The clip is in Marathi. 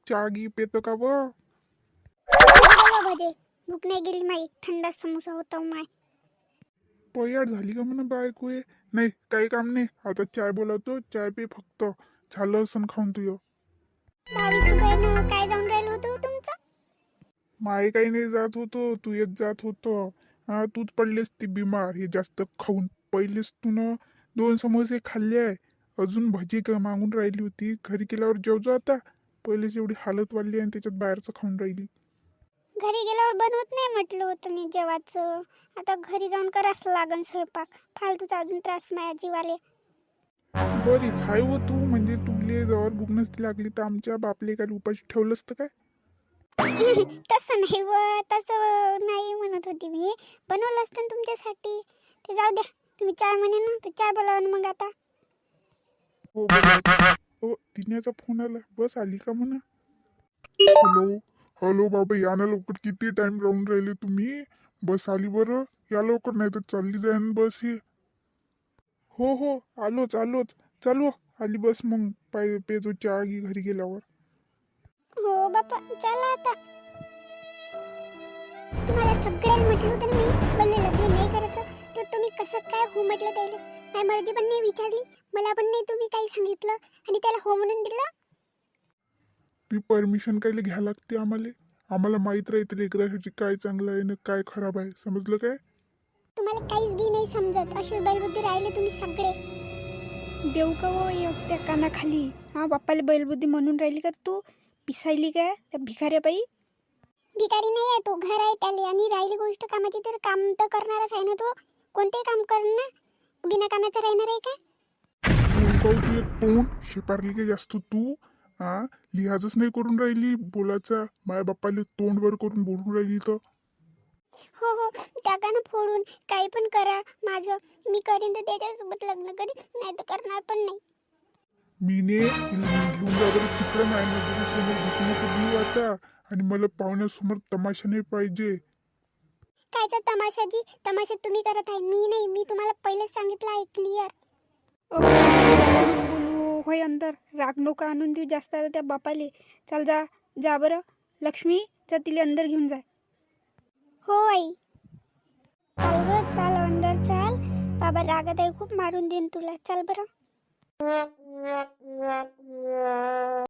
चहा गी पेतो का व? भजे भूक नाही गेली माई. थंड समोसा होता माय. पयाड झाली का म्हणा बायको हे? नाही काही काम नाही, आता चाय बोलावतो, चाय पे फक्त. झालं असं खाऊन तुझं. 22 रुपयानं काय जाऊन राहिलं होतं तुमचं? माय काही नाही जात होतो, तू येत जात होतो. हा तूच पडलेस ती बिमार हे जास्त खाऊन. पहिलेच तू न 2 समोसे खाल्ले आहे, अजून भजी का मागून राहिली होती. घरी गेल्यावर जेवजो आता. पहिलेच एवढी हालत वाढली आणि त्याच्यात बाहेरचं खाऊन राहिली. घरी गेल्यावर बनवत नाही म्हटलं होतं मी जेवायचं. आता घरी जाऊन करावंच लागन स्वयंपाक. फालतूचा अजून त्रास माझ्या जीवाले. बरीच हाय हो तू, म्हणजे तुले जवळ भूक नसती लागली तर आमच्या बापले काय उपाशी ठेवलं असतं काय? तसं नाही व, तसं नाही म्हणत होती मी. बनवलं असतं ना तुमच्यासाठी. ते जाऊ द्या. तुम्ही चाय म्हणे ना तर चाय बोलावा ना मग आता. हो बरोबर. हो तिन्याचा फोन आला, बस आली का म्हणा. हॅलो हॅलो बाबा, या ना लवकर, किती टाइम राहून राहिले तुम्ही? बस आली बरं, या लवकर नाही तर चालली जाईन बस ही. हो हो आलोच आलोच. चालू आली बस, मग पाय पेजो चहा घे घरी गेल्यावर. हो बापा चला आता. तुम्हाला सगळ्यांना म्हटलं होतं ना मी मला लग्न नाही करायचं, तर तुम्ही कसं काय हो म्हटलं त्याला. माझी मर्जी पण नाही विचारली, मला पण नाही तुम्ही काही सांगितलं आणि त्याला हो म्हणून दिलं. ती परमिशन कायले घ्या लागते आम्हाला? आम्हाला माहीत राहते लेकरासाठी काय चांगलं आहे ना काय खराब आहे, समजलं काय? तुम्हाला काहीच गी नाही समजत. असे बैलबुद्धी राहिले तुम्ही सगळे. देऊ का हो एक त्या कानाखाली? हा बाप्पाला बैलबुद्धी म्हणून राहिली का तू? पिसायली काय त्या भिकाऱ्याबाई? भिकारी नाही आहे तो, घर आहे त्याला. आणि राहिली गोष्ट कामाची, तर काम तर करणारच आहे ना तो. कोणतेही काम करणार, बिना कामाचं राहणार आहे का? तू एक तोंड शेपारली काय जास्त तू? हा लिहाजच नाही करून राहिली बोलायचा, माया बाप्पाले तोंड वर करून बोलून राहिली तर. हो हो टाका ना फोडून. काही पण करा माझं, मी करीन तर त्याच्यासोबत लग्न करीन, नाही तर करणार पण नाही. मीने तिला घेऊन जा बरं तिकडं, नाही नजरे समोर घुसू नको देऊ आता. आणि मला पाहुण्यासमोर तमाशा नाही पाहिजे. कायचा तमाशाजी? तमाशा तुम्ही करत आहे, मी नाही. मी तुम्हाला पहिलेच सांगितलं आहे क्लिअर. बोलू होय अंदर. राग नको आणून देऊ जास्त आता त्या बापाले. चाल जा जा बरं. लक्ष्मी जा तिला अंदर घेऊन जा. हो आई. चाल ग चाल अंदर चाल. बाबा रागात आहे खूप, मारून देईन तुला. चाल बरं.